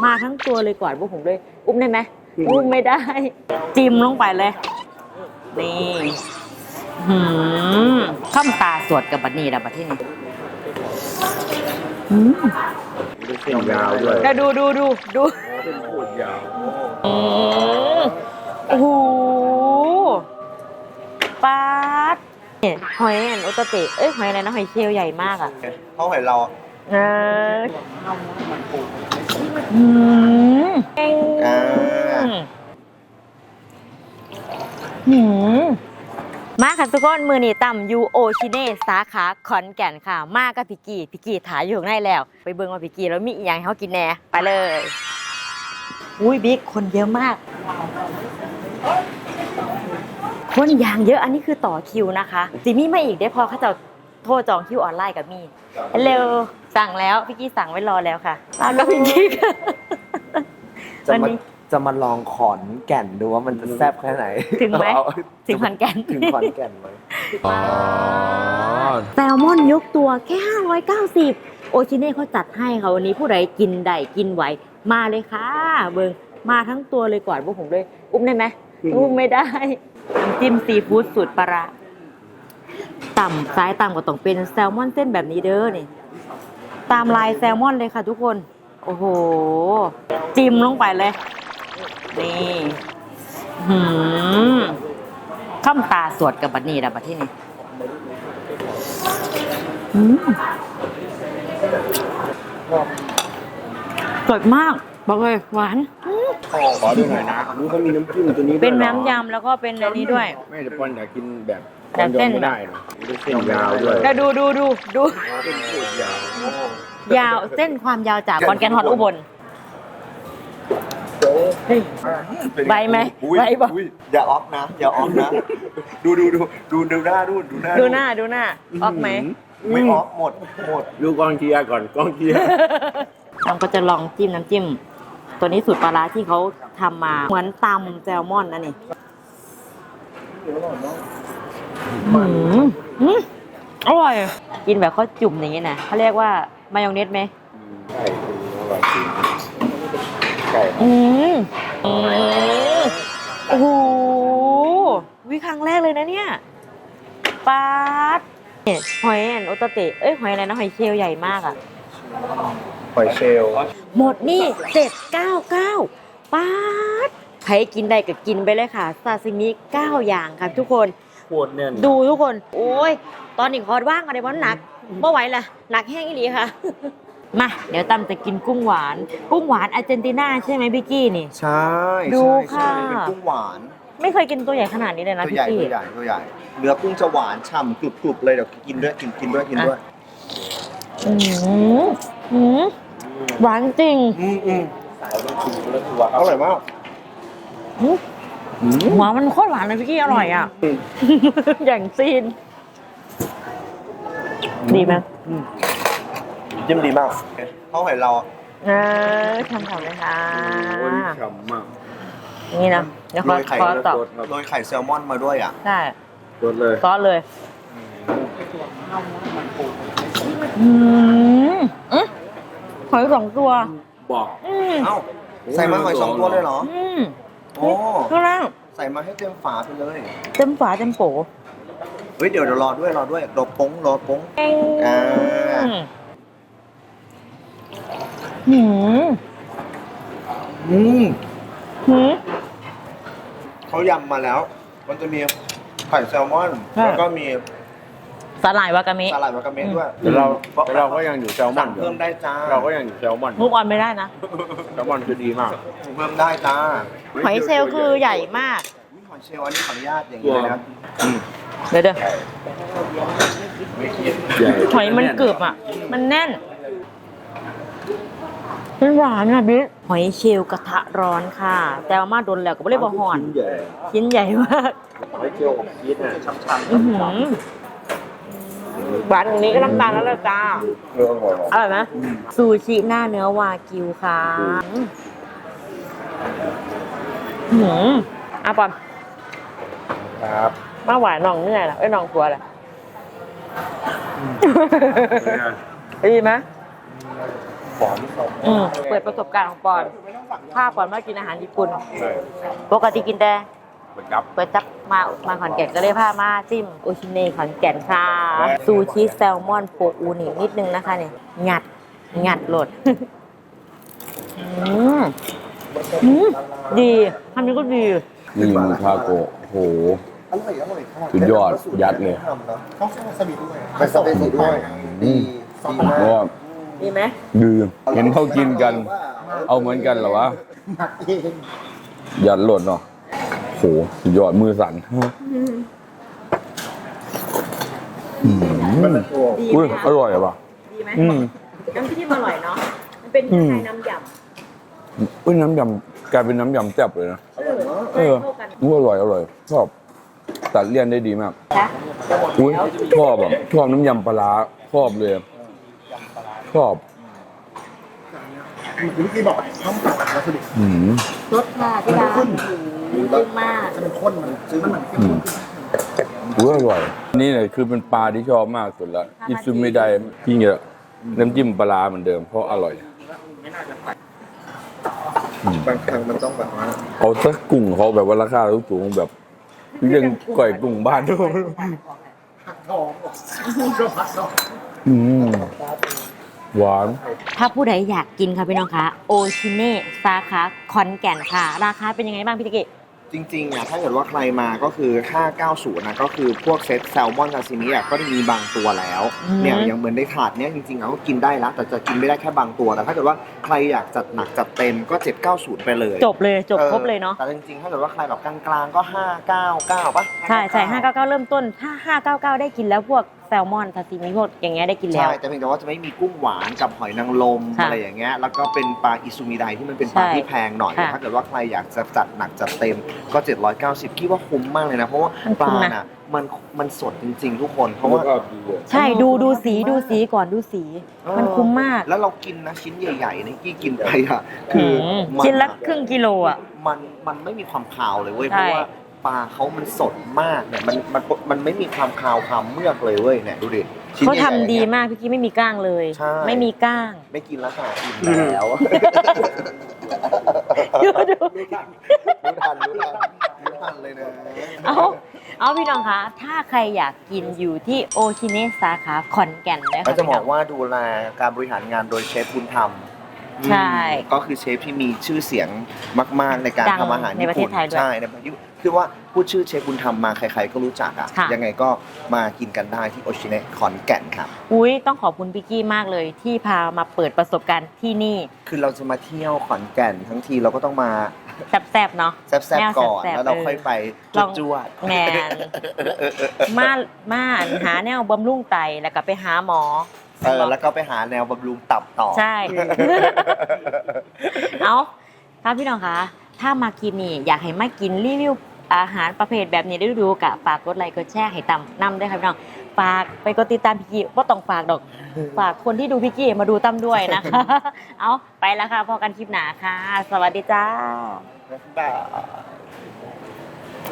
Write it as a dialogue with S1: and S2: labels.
S1: มาทั้งตัวเลยกอดพวกผมเลยอุ้มได้ไหมอุ้มไม่ได้จิ้มลงไปเลยนี่ข้ามตาสวดกับบัดนี้นะบัดที่นี่
S2: เส้นยาวด้วย
S1: ดู
S2: เส้นโคตรยาว
S1: โอ้โหปาดหอยโอตเตะหอยอะไรนะหอยเชลล์ใหญ่มากอ่ะ
S3: เขาหอยเรา
S1: มาค่ะทุกคนมือนี่ต่ำยูโอชิเน่สาขาขอนแก่นค่ะมากับพี่กีถ่ายอยู่ข้างในแล้วไปเบิ่งว่าพี่กีแล้วมีอย่างให้เขากินแน่ไปเลยอุ้ยบิ๊กคนเยอะมากคนอย่างเยอะอันนี้คือต่อคิวนะคะสิมีมาอีกได้พอเขาจะโทรจองคิวออนไลน์กับมี่เร็วสั่งแล้วพี่กีสั่งไว้รอแล้วค่ะมากับพี่กีวันนี้
S3: จะมาลองขอนแก่นดูว่ามันจะแซ่บแค่ไหน
S1: ถึงไหมถึงขอนแก่น
S3: ถึงขอนแก่นไหม
S1: แซลมอนยกตัวแค่590โอชิเน่เขาจัดให้ค่ะวันนี้ผู้ใดกินได้กินไหวมาเลยค่ะเบิ่งมาทั้งตัวเลยกอดพวกผมเลยอุ้มได้ไหมอุ้มไม่ได้น้ำจิ้มซีฟู้ดสูตรปลาร้าซ้ายต่ำก็ต้องเป็นแซลมอนเส้นแบบนี้เด้อนี่ตามลายแซลมอนเลยค่ะทุกคนโอ้โหจิ้มลงไปเลยนี่ข้ามตาสวดกับบัดนี้นะบัดที่นี่สดมากบอกเลยหวาน
S2: ขอดูหน่อยนะดูเขามีน้ำจิ้มตัวนี้
S1: เป็นน้ำยำแล้วก็เป็นอันนี้ด้วย
S2: ไม่แต่ปอนอยากกินแบบ
S1: เส้น
S2: ไม่ได้นะเส้นยาวด้วย
S1: ดู
S2: เส้นโคตรยาว
S1: เส้นความยาวจากขอนแก่นฮอดอุบลใบไหมใบบอก
S3: อย่าออกนะอย่าออกนะดูหน้าดูหน้า
S1: ออกไหม
S3: ไม่ออกหมด
S2: ดูกองเชียร์ก่อนกองเชียร์
S1: เราก็จะลองจิ้มน้ำจิ้มตัวนี้สูตรปลาร้าที่เขาทำมาเหมือนตำแซลมอนนะนี่อร่อยกินแบบเขาจุ่มอย่างนี้นะเขาเรียกว่ามายองเนสไหม
S2: ใช่
S1: โอ้โหวิครั้งแรกเลยนะเนี่ยปาดหอยโอตเตะหอยอะไรนะหอยเชลล์ใหญ่มากอ่ะ
S3: หอยเชลล์
S1: หมดนี่799ปาดใครกินได้ก็กินไปเลยค่ะซาซิมิ9อย่างค่ะทุกคนดูทุกคนโอ้ยตอนนี้คอร์ดว่างกันเลยเพราะหนักไม่ไหวละหนักแห้งอีหลีค่ะมาเดี๋ยวตั้มจะกินกุ้งหวานอาร์เจนตินาใช่ไหมพี่กี้นี่
S3: ใช่
S1: ดูค่ะ
S3: เป็นกุ้งหวาน
S1: ไม่เคยกินตัวใหญ่ขนาดนี้เลยนะพี่กี้
S3: ตัวใหญ่เนื้อกุ้งจะหวานฉ่ำกรุบเลยเดี๋ยวกินด้วย
S1: หวานจริง
S3: อร่อยมาก
S1: หัวมันโคตรหวานเลยพี่กี้อร่อยอ่ะอย่างซีนดีไหม
S3: จิ้มดีมากเขาหอยเรา
S1: ทำเลยค่ะ
S2: ฉ่ำมาก
S1: นี่นะเดี๋ยวขอต่อ
S3: โรยไข่แซลมอนมาด้วยอ่ะ
S1: ใช่
S2: ซอ
S1: สเลยหอย2 ตัว
S2: บอก
S3: เอ้าใส่มาหอย2 ตัวเลยเหรอโอ้
S1: ข้างล่าง
S3: ใส่มาให้เต็มฝาไปเลย
S1: เต็มฝาเต็มโป
S3: เฮ้ยเดี๋ยวรอด้วยรอป้งเขายำมาแล้วมันจะมีไข่แซลมอนแล้วก็มี
S1: สาหร่ายวากาเมะ
S3: ด้วย
S2: แต่เราก็ยังอยู่แซลมอน
S3: เพิ่มได้จ้า
S2: เราก็ยังอยู่แซลมอน
S1: มุกออนไม่ได้นะ
S2: แซลมอนคือดีมาก
S3: เพิ่มได้จ้า
S1: หอยเชลล์คือใหญ่มาก
S3: หอยเชลล์อันนี้ขออนุญาตอย่างนี้นะครับ
S1: เดี๋ยวหอยมันกรึบอ่ะมันแน่นมันหวานอ่ะบิ๊กหอยเชลล์กระทะร้อนค่ะแต่ว่ามาโดนแล้วก็ไม่ได้บอกห่อนชิ้นใหญ่มาก
S2: หอยเชลล์ของชีสเนี่ยช้ำ
S1: หวานอย่างนี้ก็น้ำตาลแล้วเลยจ้าอร่อยไหมซูชิหน้าเนื้อวากิวค่ะปอน
S2: ครับ
S1: มาหวานน้องเหนื่อยแล้วน้องกลัวแหละดีไหม
S3: หอมสด
S1: เปิดประสบการณ์ของปอนถ้าปอนมากินอาหารญี่ปุ่น
S3: ใช่
S1: ปกติกินแต่
S3: เหมือนกับ
S1: เปิดจับมาขอนแก่นก็เลยพามาจิ้มโอชิเน่ขอนแก่นค่ะซูชิแซลมอนโปอูนินิดนึงนะคะเนี่ยงัดโหลด ดีทำนี้ก็ดี
S2: นี่มูทาโกะโห
S3: อร่อยค่ะ
S2: สุดยอดยัดเลย
S3: ต้องใส่วาซาบิด้วยใส่วาซาบิด้วยดีมาก
S2: ก็
S1: ดีไหม
S2: ดื่มเห็นเขากินกัน เอาเหมือนกันเหรอวะ
S3: หมักเอง
S2: ยัดโหลดเนาะโหสุดยอดมือสั่น
S3: มันเป็นตัว
S1: ดี
S2: อุ้ย
S1: ไหม
S2: อร่อยอะปะ
S1: ดีไหม
S2: อืม
S1: น้ำจิ้มอร่อยเนาะมันเป็นคล้ายๆน้ำยำ
S2: อุ้ยน้ำยำกลายเป็นน้ำยำแซ่บเลยนะ
S3: อร่อยมาก
S2: เออ
S1: เข้ากัน
S2: อุ้ยอร่อยชอบตัดเลี่ยนได้ดีมาก
S1: นะ
S2: อุ้ยชอบแบบชอบน้ำยำปลาร้าชอบเลยชอบ
S3: เหมือนที่พี่บอกข้าวผัดวาซาบิ
S2: อืม
S1: รสค่ะที่ร้านดีมาก
S3: จะเป็นข้นมันซื้อมัน
S2: อืมอุ้ยอร่อย นี่เนี่ยคือเป็นปลาที่ชอบมากสุดละอิซุไม่ได้ยิ่งเยอะน้ำจิ้มปลาร้าเหมือนเดิมเพราะอร่อย
S3: บางครั้งมันต้องแบบว่า
S2: เอาสักกุ้งเขาแบบว่าราคาสูงๆแบบเรื่องก่อยกุ้งบ้านด้วย
S3: ผักทองก็ผักทอง
S2: อืมหวาน
S1: ถ้าผู้ใดอยากกินค่ะพี่น้องคะโอชิเน่สาขาขอนแก่นค่ะ ราคาเป็นยังไงบ้างพี่ตะกี้
S3: จริงๆอ่ะถ้าเกิดว่าใครมาก็คือ590นะก็คือพวกเซตแซลมอนซาซิมิอ่ะก็จะมีบางตัวแล้วเนี่ยอย่างเหมือนในถาดเนี้ยจริงๆอ่ะก็กินได้แล้วแต่จะกินไม่ได้แค่บางตัวแต่ถ้าเกิดว่าใครอยากจัดหนักจัดเต็มก็790ไปเลย
S1: จบครบเลยเนาะ
S3: แต่จริงๆถ้าเกิดว่าใครแบบกลางๆก็599ป่ะ
S1: ใช่599 เริ่มต้นถ้า599 ได้กินแล้วพวกแซลมอนซาซิมิพวกอย่างเงี้ยได้กินแล้ว
S3: ใช่แต่เพียงแต่ว่าจะไม่มีกุ้งหวานกับหอยนางรม
S1: ค่ะ
S3: อะไรอย่างเงี้ยแล้วก็เป็นปลาอิซูมิไดที่มันเป็นปลา
S1: ใช่
S3: ที่แพงหน่อย
S1: ค่ะ
S3: ถ้าเกิดว่าใครอยากจะจัดหนักจัดเต็มก็790คิดว่าคุ้มมากเลยนะเพราะว่า
S1: มัน
S3: ป
S1: คุ้
S3: ลาม
S1: นะ
S3: น่ะมันสดจริงๆ ทุกคนเพราะว่า
S1: ใช่ดูสีก่อนดูสี มันคุ้มมาก
S3: แล้วเรากินนะชิ้นใหญ่ๆนี่กี้กินไปอ่ะคือมั
S1: ชิ้นละครึ่งกิโลอ่ะ
S3: มันไม่มีความคาวเลยเว้ย
S1: ใช่
S3: เพราะว่าปลาเขามันสดมากเนี่ยมันไม่มีความคาวความเมือกเลยเว้ยเนี่ยดูดิชิ้น
S1: เขา
S3: ใหญ่ๆ
S1: ทำดี
S3: นี่ย
S1: มากพี่กี้ไม่มีก้างเลย
S3: ใช่
S1: ไม่มีก้าง
S3: ไม่กินแล้วค่ะอิ่มแล้ว
S1: ดู
S3: รู้ทันเลยนะ
S1: เอาพี่น้องคะถ้าใครอยากกินอยู่ที่โอชิเนะสาขาขอนแก่นนะ
S3: ก็
S1: คะ
S3: จะบ
S1: พี่
S3: อ
S1: น้
S3: ก
S1: อง
S3: ว่าดูแลการบริหารงานโดยเชฟบุญธรรม
S1: ใช่
S3: ก็คือเชฟที่มีชื่อเสียงมากๆในการ
S1: ดัง
S3: ทำอาหาร
S1: ใน
S3: ญี่
S1: ประเท
S3: ปุ่
S1: ศ
S3: น
S1: ไทยด้วย
S3: ใช่ในประเทศญี่ปุ่นคือว่าพูดชื่อเชฟบุญธรรมมาใครๆก็รู้จักอ่ะ
S1: ค่ะ
S3: ยังไงก็มากินกันได้ที่โอชิเนะขอนแก่นครับ
S1: อุ้ยต้องขอบคุณพี่กี้มากเลยที่พามาเปิดประสบการณ์ที่นี่
S3: คือเราจะมาเที่ยวขอนแก่นทั้งทีเราก็ต้องมา
S1: แซ่บๆเนาะ
S3: แซ่บๆก่อน
S1: แซ่บๆ
S3: แล้วเราค่อยไป
S1: ลอง
S3: จวด
S1: แมนมาหาแนวบำรุงไตแล้วก็ไปหาหมอ
S3: แล้วก็ไปหาแนวบำรุงตับต่อ
S1: ใช่ เอาถ้าพี่น้องคะถ้ามากินนี่อยากให้มากินรีวิวอาหารประเภทแบบนี้ได้ดูกะฝากกดไลค์กดแชร์ให้ตำนำด้วยค่ะพี่น้องฝากไปกดติดตามพี่กี้ว่าต้องฝากดอก ฝากคนที่ดูพี่กี้มาดูตั้มด้วยนะคะ เอาไปแล้วค่ะพอกันคลิปหนาค่ะ สวัสดีจ้า
S3: บ๊ายบาย